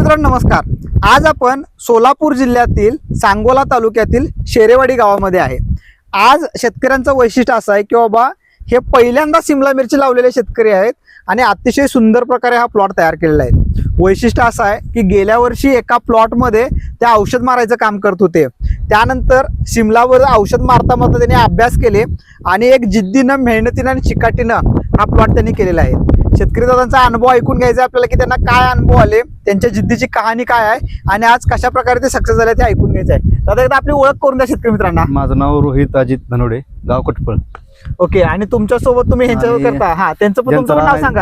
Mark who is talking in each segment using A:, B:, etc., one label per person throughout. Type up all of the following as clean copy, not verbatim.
A: मित्रांनो नमस्कार. आज आपण सोलापूर जिल्ह्यातील सांगोला तालुक्यातील शेरेवाडी गावामध्ये आहे. आज शेतकऱ्यांचं वैशिष्ट्य असं आहे की बाबा हे पहिल्यांदा सिमला मिरची लावलेले शेतकरी आहेत आणि अतिशय सुंदर प्रकारे हा प्लॉट तयार केलेला आहे. वैशिष्ट्य असं आहे की गेल्या वर्षी एका प्लॉटमध्ये ते औषध मारायचं काम करत होते. त्यानंतर सिमलावर औषध मारता मारता त्यांनी अभ्यास केले आणि एक जिद्दीनं, मेहनतीनं आणि चिकाटीनं हा प्लॉट त्यांनी केलेला आहे. शेतकरी दादांचा अनुभव ऐकून घ्यायचा आपल्याला की त्यांना काय अनुभव आले, त्यांच्या जिद्दीची कहाणी काय आहे आणि आज कशा प्रकारे ते सक्सेस झाले ते ऐकून घ्यायचं आहे. दादा एकदा आपली ओळख करून द्या शेतकरी मित्रांना.
B: माझं नाव रोहित अजित धनोडे, गाव कटपळ.
A: ओके. आणि तुमच्या सोबत तुम्ही ह्यांच्यावर करता, हा त्यांचं पण तुमचं नाव सांगा.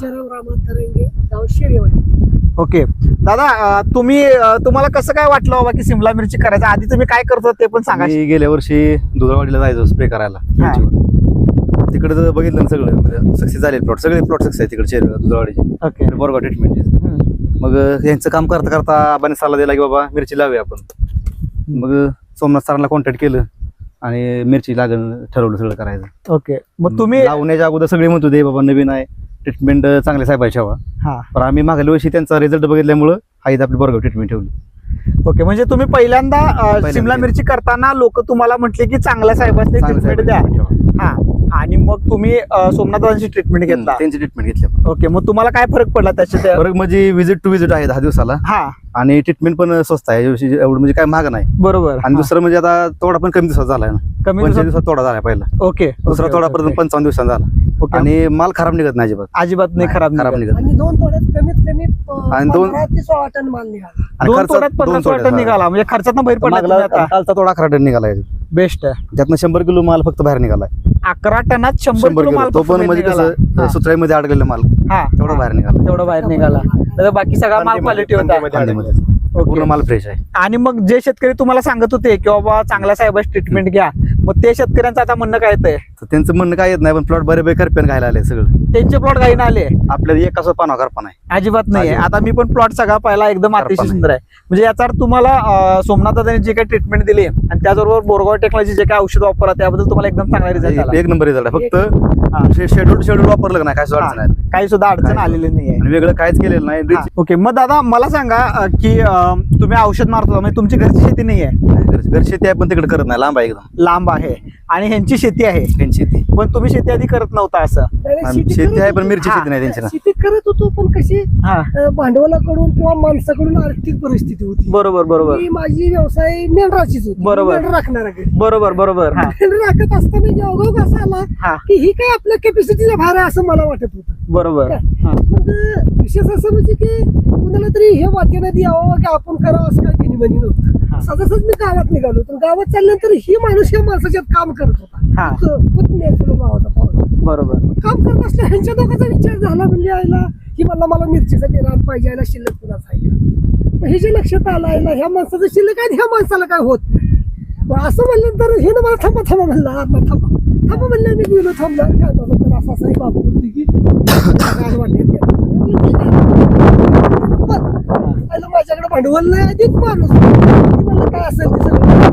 A: ओके दादा, तुम्हाला कसं काय वाटलं बाबा की सिमला मिरची करायचं? आधी तुम्ही काय करतो ते पण सांगा.
B: मी गेल्या वर्षी दुधावाडीला जायचो स्प्रे करायला. तिकडे जर बघितलं ना सगळं सक्सेस झाले प्लॉट, सगळे प्लॉट सक्सेस आहे तिकडचे दुधावाडीचे.
A: ओके.
B: बोरगाव ट्रीटमेंट. मग यांचं काम करता करता आबाने सल्ला दिला की बाबा मिरची लावूया आपण. मग सोमनाथ सरांना कॉन्टॅक्ट केलं आणि मिरची लागण ठरवलं सगळं करायचं.
A: ओके. मग तुम्ही
B: लावण्याच्या अगोदर सगळे म्हणत होते बाबा नवीन आहे, ट्रीटमेंट चांगले साहेबाची हवा.
A: हा.
B: पण आम्ही मागल्या वर्षी त्यांचा रिझल्ट बघितल्यामुळं हाईत आपली बोरगाव ट्रीटमेंट ठेवली.
A: ओके. म्हणजे तुम्ही पहिल्यांदा सिमला मिरची करताना लोक तुम्हाला म्हटले की चांगल्या साहेबांनी ट्रीटमेंट द्या. हा. आणि मग तुम्ही सोमनाथांची ट्रीटमेंट घेतला.
B: त्यांची ट्रीटमेंट घेतली.
A: ओके. मग तुम्हाला काय फरक पडला त्याच्यात?
B: फरक म्हणजे विजिट टू विजिट आहे 10 दिवसाला.
A: हा.
B: आणि ट्रीटमेंट पण स्वस्त आहे, एवढं म्हणजे काय महाग नाही.
A: बरोबर.
B: आणि दुसरं म्हणजे आता तोडा पण कमी दिवसात झालाय ना,
A: कमी
B: 25 दिवसात तोडा झाला पहिला.
A: ओके.
B: दुसरा तोडा पर्यंत 55 दिवसात झाला. आणि माल खराब निघत नाही अजिबात.
A: अजिबात नाही खराब
B: निघत.
C: आणि 2 तोड्यात कमीत कमी
B: आणि
C: 15 ते 16 टन माल निघाला.
B: आणि
A: 2
B: खर्चात
A: तोड्यात 15 टन निघाला. म्हणजे खर्चात बाहेर पडला तुम्ही आता.
B: कालचा तोडा 11 टन निघालाय.
A: बेस्ट आहे.
B: त्यातनं 100 किलो माल फक्त बाहेर निघालाय.
A: 11 टनात 100 किलो माल
B: तो पण म्हणजे कसं सुत्राईमध्ये अडकलेला माल
A: हा
B: तेवढा बाहेर निघाला.
A: तेवढा बाहेर निघाला. तर बाकी सगळा माल क्वालिटी होता.
B: पूर्ण माल फ्रेश आहे.
A: आणि मग जे शेतकरी तुम्हाला सांगत होते की बाबा चांगल्या साहेबांची ट्रीटमेंट घ्या, मग ते शेतकऱ्यांचं आता म्हणणं काय येतंय?
B: त्यांचं म्हणणं काय येत नाही, पण प्लॉट बरेपैकी करपेन घायला आले सगळं.
A: त्यांचे प्लॉट काही ना आले
B: आपल्याला एक असं पाना करपा नाही,
A: अजिबात नाही. आता मी पण प्लॉट सगळा पाहिला, एकदम अतिशय सुंदर आहे. म्हणजे याचा अर्थ तुम्हाला सोमनाथ दादांनी जे काही ट्रीटमेंट दिली आणि त्याचबरोबर बोरगाव टेक्नॉलॉजी जे काही औषध वापरला त्याबद्दल तुम्हाला एकदम चांगला रिझल्ट आला.
B: एक नंबर रिझल्ट आहे. फक्त शेड्यूल वापरलं नाही, काय सुद्धा अडचण नाही,
A: काही सुद्धा अडचण आलेली नाही आहे.
B: वेगळं काहीच केलेलं नाही.
A: ओके. मग दादा मला सांगा की तुम्ही औषध मारतो, म्हणजे तुमची घरची शेती नाही आहे?
B: घर शेती आहे पण तिकडे करत नाही, लांब आहे, एकदम
A: लांब आहे. आणि ह्यांची शेती आहे,
B: शेती.
A: पण तुम्ही शेती आधी करत नव्हता असं?
B: शेती आहे पण मिरची शेती नाही त्यांची ना.
C: शेती करत होतो, पण कशी भांडवलाकडून किंवा माणसाकडून आर्थिक परिस्थिती होती.
A: बरोबर बरोबर.
C: माझी व्यवसाय मेंढराचीच होती.
A: बरोबर.
C: राखणार
A: बरोबर बरोबर.
C: मेंढर राखत असताना योगायोग असा आला की ही काय आपल्या कॅपॅसिटीच्या बाहेर आहे असं मला वाटत होतं.
A: बरोबर.
C: मग विशेष असं म्हणजे की कुणाला तरी हे वाक्याने द्यावं की आपण करावं असं काही त्यांनी म्हणी नव्हतं. सहजच मी गावात निघालो, तर गावात चालल्यानंतर ही माणूस या माणसाच्यात काम करत होता.
A: बरोबर.
C: काम करत असल्या ह्यांच्या दोघांचा विचार झाला, म्हणजे आयला की मला मिरचीसाठी रान पाहिजे, आयला शिल्लक कुणाच आहे का. मग हे जे लक्षात आलं आयला ह्या माणसाचं शिल्लक आहे, ह्या माणसाला काय होत नाही. मग असं म्हणल्यानंतर हे ना मला थांबा म्हणलं, थांबा म्हणलं. मी गेलो, थांबला. काय बाबा तर असं आहे बाबा होती की माझ्याकडे भांडवल नाही, अधिक माणूस मला काय असेल ते सगळं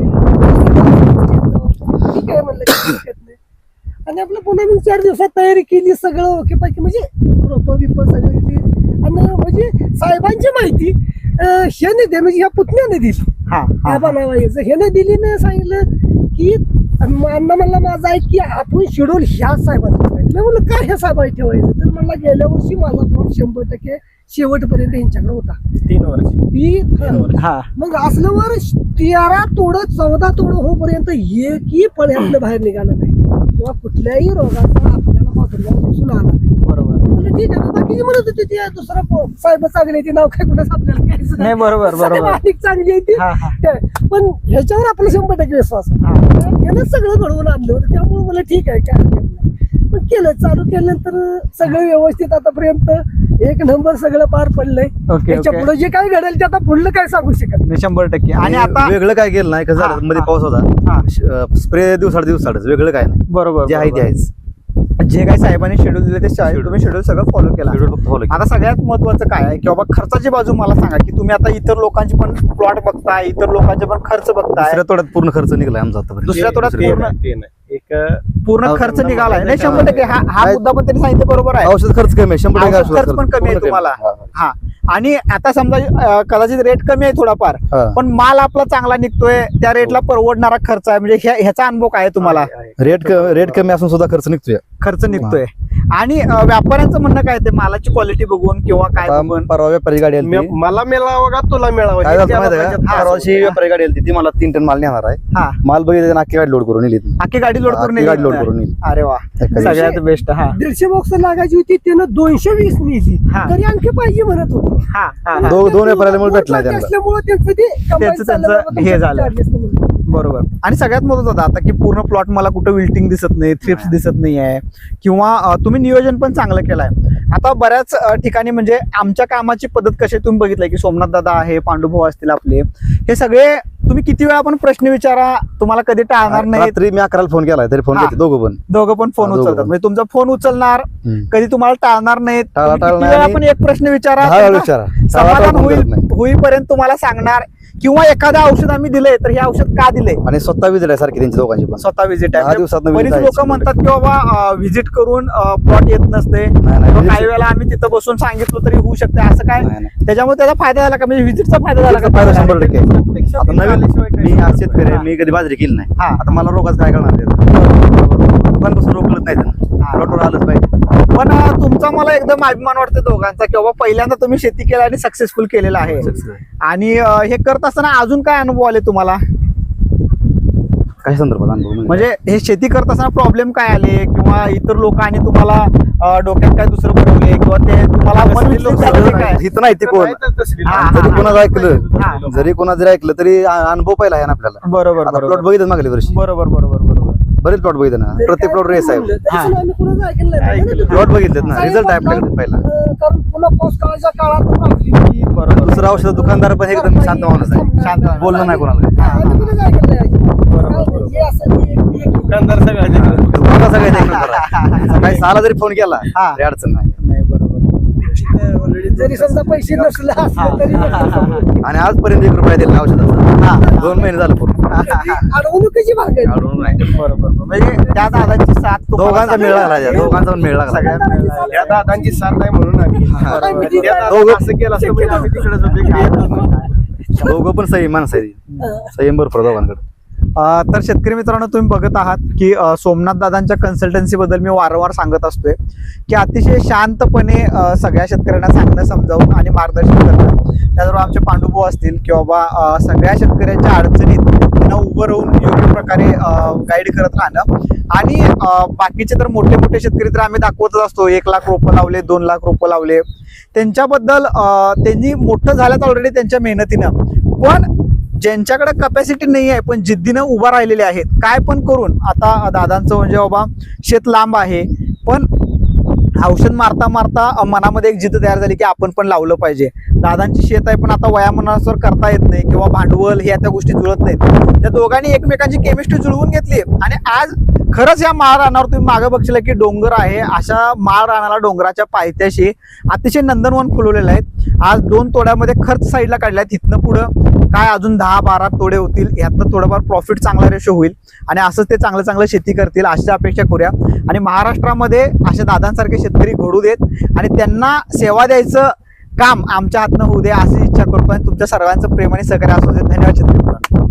C: ठीक आहे म्हणलं. आणि आपलं पुन्हा मी 4 दिवसात तयारी केली, सगळं ओके पैकी, म्हणजे रोपं बिप सगळी ती. आणि म्हणजे साहेबांची माहिती ह्याने दे, म्हणजे ह्या पुतण्याने दिली. हा बनवायचं ह्याने दिली ना, सांगितलं की अण्णा म्हणला माझा आहे की आपण शेड्यूल ह्या साहेबांना ठेवायचं. मी म्हणलं काय ह्या साहेबांना ठेवायचं? तर मला गेल्या वर्षी माझा प्लॉट 100% शेवटपर्यंत यांच्याकडे होता.
A: 3 वर्ष.
C: मग असल्यावर 13 तोडं 14 तोडं होईपर्यंत एकही फळ्यातलं बाहेर निघालं नाही किंवा कुठल्याही रोगाचा आपल्याला प्रादुर्भाव दिसून आला नाही. बरोबर. ठीक आहे. बाकीची म्हणत होती ती दुसरा साहेब चांगली आहे, ती नाव काय कुणाच आपल्याला घ्यायचं नाही. बरोबर. अधिक चांगली आहे ती, पण ह्याच्यावर आपला 100% विश्वास यानं सगळं घडवून आणलं होतं. त्यामुळे मला ठीक आहे, काय हरकत नाही. पण केलं, चालू केल्यानंतर सगळं व्यवस्थित आतापर्यंत एक नंबर सगळं पार पडलंय. त्याच्या पुढे जे काय घडेल ते आता पुढलं काय सांगू शकत नाही.
A: 100%. आणि आता
B: वेगळं काय केलं नाही, कसं झालं मध्ये पाऊस होता, स्प्रे दिवसाडच वेगळं काय नाही.
A: बरोबर.
B: जे आहे ते आहेच.
A: जे काही साहेबांनी शेड्यूल दिले ते तुम्ही शेड्यूल सगळं फॉलो केला. आता सगळ्यात महत्वाचं काय आहे की बाबा खर्चाची बाजू मला सांगा की तुम्ही आता इतर लोकांची पण प्लॉट बघताय, इतर लोकांचे पण खर्च बघताय.
B: दुसऱ्या तोड्यात पूर्ण खर्च निघाला आमचा आतापर्यंत.
A: दुसऱ्या तोड्यात पूर्ण
D: एक
A: पूर्ण खर्च
D: औषध
A: निघालाय नाही
D: निघालाय.
A: 100% हा
B: काय-
A: मुद्दा पण त्यांनी सांगितलं बरोबर आहे.
B: औषध खर्च कमी आहे 100%
A: औषध खर्च पण कमी आहे
B: पूर्ण
A: तुम्हाला.
B: हा,
A: हा आणि आता समजा कदाचित रेट कमी आहे थोडाफार,
B: हा.
A: पण माल आपला चांगला निघतोय, त्या रेटला परवडणारा खर्च आहे, म्हणजे ह्याचा अनुभव काय आहे तुम्हाला?
B: रेट कमी असून सुद्धा खर्च निघतोय.
A: खर्च निघतोय. आणि व्यापाऱ्यांचं म्हणणं काय, ते मालाची क्वालिटी बघून किंवा काय बघून?
B: परवा व्यापारी गाडी आली होती.
D: मला मिळावं का तुला मिळावं
B: काय
D: हे
B: झालं
D: त्याला
B: माहिती आहे
D: पाहिजे.
B: का?
D: हा,
B: परवाची व्यापारी गाडी आली होती, ती मला 3 टन माल नेणार आहे.
A: हा
B: माल बघितलं अख्खी गाडी लोड करून नेली.
A: अख्खी गाडी लोड करून
B: गाडी लोड
A: नेली.
B: करून नेली.
A: अरे वा, सगळ्यात बेस्ट. हा
C: 150 बॉक्स लागायची होती, त्यानं 220 नेली.
A: हा.
C: तरी आणखी पाहिजे म्हणत होतो.
A: हा हा हा.
B: दोन व्यापाऱ्याला मुळे भेटला नाही त्यांना.
C: असल्यामुळे त्यांचं ते combine
A: त्यांचं
C: चाललं बाबा,
A: हे
C: तुमचं
A: झालं.
C: charges नाही म्हणून.
A: बरोबर. आणि सगळ्यात महत्त्वाचं होतं आता की पूर्ण प्लॉट मला कुठं विल्टिंग दिसत नाही, थ्रिप्स दिसत नाही आहे, किंवा तुम्ही नियोजन पण चांगलं केलंय. आता बऱ्याच ठिकाणी म्हणजे आमच्या कामाची पद्धत कशी आहे तुम्ही बघितलंय की सोमनाथ दादा आहे, पांडुभाऊ असतील आपले, हे सगळे तुम्ही किती वेळा पण प्रश्न विचारा, तुम्हाला कधी टाळणार नाही.
B: रात्री मी 11 फोन केलाय तरी फोन
A: हा.
B: घेते दोघं पण.
A: दोघं पण फोन
B: हा, दोघं
A: उचलतात,
B: पण.
A: म्हणजे तुमचा फोन उचलणार,
B: हम्म.
A: कधी तुम्हाला टाळणार नाहीत. तुम्ही किती
B: टाळणार
A: वेळा
B: नाही.
A: पण एक प्रश्न विचारा,
B: 10 वेळा
A: त्यांना
B: विचारा.
A: समाधान
B: फोन करत नाही.
A: होईपर्यंत तुम्हाला सांगणार, किंवा एखादं औषध आम्ही दिलंय तर हे औषध का दिलंय
B: आणि स्वतः विजिट आहे सारखी त्यांची दोघांची पण.
A: स्वतः व्हिजिट
B: 10
A: आहे.
B: दिवसात
A: बरीच लोक म्हणतात की बाबा व्हिजिट करून प्लॉट येत नसते, किंवा काही वेळेला आम्ही तिथं बसून सांगितलं तरी होऊ शकते, असं काय? त्याच्यामुळे त्याचा फायदा झाला का, म्हणजे व्हिजिटचा फायदा झाला का?
B: फायदा 100%.
D: प्रत्यक्षात
B: आता नवीन
D: आल्याशिवाय काही
B: मी आज
D: नाही.
B: शेतकरी आहे, मी कधी बाजरी केली नाही.
A: हा.
B: आता मला रोगाच काय करणार दुकान कसं रोग कळत नाही
A: हा.
B: त्यांना. प्लॉटवर आलंच पाहिजे.
A: पण तुमचा मला एकदम अभिमान वाटतो दोघांचा की बाबा पहिल्यांदा तुम्ही शेती केला आणि सक्सेसफुल केलेला आहे. आणि हे करत असताना अजून काय अनुभव आले तुम्हाला,
B: काही संदर्भात अनुभव
A: म्हणजे हे शेती करत असताना प्रॉब्लेम काय आले, किंवा इतर लोकांनी तुम्हाला डोक्यात काय दुसरं बनवले, किंवा ते तुम्हाला मन विचलित झालं ते काय?
B: हित नाही ते कोण.
D: नाही तर तसली
A: हा,
D: लोकं.
B: जरी कोणाचं
A: हा.
B: ऐकलं जरी कोणाचं जरी ऐकलं तरी अनुभव पहिला आहे ना आपल्याला.
A: बरोबर
B: आता
A: बरोबर
B: प्लॉट बघितलं मागल्या वर्षी
A: बरोबर बरोबर बरोबर
B: बरेच प्लॉट बघितलं ना,
C: तरी
B: प्रत्येक
C: काय
B: प्लॉट रेस आहे.
C: म्हणलं, तरी
A: हा.
C: सुद्धा आम्ही कुणाचं ऐकलं नाही.
D: ऐकलं.
B: प्लॉट बघितलेत ना,
C: साहेब
B: रिझल्ट आहे
C: आपला,
B: आपल्याकडे पहिला.
C: कारण पुन्हा पाऊस काळाच्या काळात आपली होती.
A: बरोबर.
B: दुसरा औषध दुकानदार पण एकदम शांत माणूस आहे,
A: शांत माणूस.
B: बोलणं नाही कोणाला काही.
C: आम्ही कुणाचं ऐकलं नाही.
A: बरोबर.
C: जे असं ते एक-
D: दुकानदार सगळ्याचे
B: दुकानदार सगळ्यात एक नंबर आहे. सकाळी 6ला जरी फोन केला
A: हा.
B: तरी अडचण नाही.
A: नाही बरोबर.
C: जरी समजा पैसे नसले असले तरी
B: आणि आजपर्यंत 1 रुपया दिला औषधाचा. 2 महिने झालं पूर्ण
C: अडवणुकीची भाग आहे.
B: अडवून नाही.
A: बरोबर. म्हणजे त्या दादाची साथ तुम्हाला
B: दोघांचा मेळ लागला
A: सगळ्या-
B: त्यात. दोघांचा पण मेळ लागला.
A: सगळ्यात मेळ लागला.
D: या दादांची साथ आहे म्हणून आम्ही
C: बरोबर.
D: त्या दादांनी
B: दोघं-
D: असं केलं असतं म्हणजे आम्ही तिकडेच होतो की येतच नाही.
B: दोघं पण संयम माणसं आहे. संयम भरपूर दोघांकडे.
A: तर शेतकरी मित्रांनो, तुम्ही बघत आहात की सोमनाथ दादांच्या कन्सल्टन्सी बद्दल मी वारंवार सांगत असतोय की अतिशय शांतपणे सगळ्या शेतकऱ्यांना सांगणं, समजावून आणि मार्गदर्शन करणं. त्याचबरोबर आमचे पांडुभाऊ असतील किंवा बा सगळ्या शेतकऱ्यांच्या अडचणीत त्यांना उभं राहून योग्य प्रकारे गाईड करत राहणं. आणि बाकीचे तर मोठे मोठे शेतकरी तर आम्ही दाखवतच असतो, 1 लाख रोपं लावले, 2 लाख रोपं लावले. त्यांच्याबद्दल त्यांनी मोठं झाल्यात ऑलरेडी त्यांच्या मेहनतीनं, पण ज्यांच्याकडे कपॅसिटी नाही आहे पण जिद्दीनं उभा राहिलेले आहेत, काय पण करून. आता दादांचं म्हणजे बाबा शेत लांब आहे, पण औषध मारता मारता मनामध्ये एक जिद्द तयार झाली की आपण पण लावलं पाहिजे. दादांची शेत आहे पण आता वयामानानुसार करता येत नाही, किंवा भांडवल ह्या त्या गोष्टी जुळत नाहीत. त्या दोघांनी एकमेकांची केमिस्ट्री जुळवून घेतली, आणि आज खरंच या माळ रानावर तुम्ही मागं बघशील की डोंगर आहे, अशा माळ रानाला डोंगराच्या पायथ्याशी अतिशय नंदनवन फुलवलेलं आहेत. आज 2 तोड्यामध्ये खर्च साईडला काढलाय, तिथनं पुढं काय अजून 10-12 तोडे होतील, यातनं थोडंफार प्रॉफिट चांगला रेशो होईल, आणि असंच ते चांगलं चांगलं शेती करतील अशी अपेक्षा करूया. आणि महाराष्ट्रामध्ये अशा दादांसारखे शेतकरी घडू देत, आणि त्यांना सेवा द्यायचं काम आमच्या हातनं होऊ दे अशी इच्छा करतो. आणि तुमच्या सर्वांचं प्रेम आणि सहकार्य असू दे. धन्यवाद शेतकरी.